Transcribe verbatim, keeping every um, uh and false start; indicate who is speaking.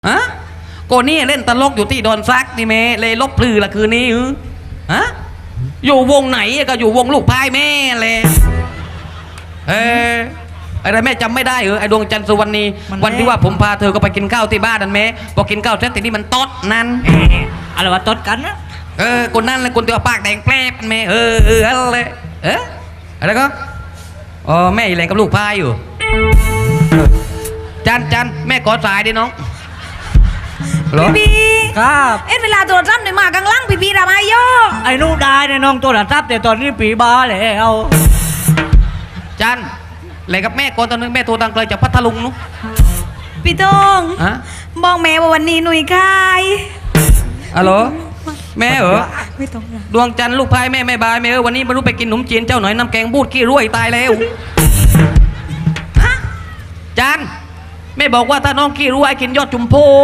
Speaker 1: ฮะโกนี่เล่นตลกอยู่ที่ดอนซักนี่เมเลยลบพลือละคืนนี้ฮะอยู่วงไหนก็อยู่วงลูกพายแม่เลยเอออะไรแม่จำไม่ได้เออไอดวงจันทร์สุวรรณีวันที่ว่าผมพาเธอก็ไปกินข้าวที่บ้านนั่นแม่พอกินข้าวเสร็จทีนี้มันตดนั่น
Speaker 2: อะไรวะตดกันนะ
Speaker 1: เออคนนั่นเลยคนตัวปากแดงแปลบแม่เออเอออะไรเอออะไรก็อ๋อแม่อยู่แรงกับลูกพายอยู่จันจันแม่กอดสายดิน้อง
Speaker 3: พี่บี
Speaker 2: ครับ
Speaker 3: เอ็ดเวลาตัวจำเนี่ยมากลางล่างพี่บีทำไมโย
Speaker 2: ไอ้นู่นได้เนี่ยน้องตัวหลับทับแต่ตอนนี้ปีบาเลยเอา
Speaker 1: จันอะไรกับแม่ก่อนตอนนึงแม่โทรตังไกลจากพัทลุงนุ๊ก
Speaker 3: พี่ตงบอกแม่ว่าวันนี้หนุ่ยคาย
Speaker 1: ฮัลโหลแม่เหรอ
Speaker 3: ไม่ต้อง
Speaker 1: ดวงจันทร์ลูกพายแม่แม่บายแม่เออวันนี้ไม่รู้ไปกินขนมจีนเจ้าหน่อยน้ำแกงบูดขี้รุ่ยตายแล้วจันแม่บอกว่าถ้าน้องขี้รุ่ยกินยอดจุมโพ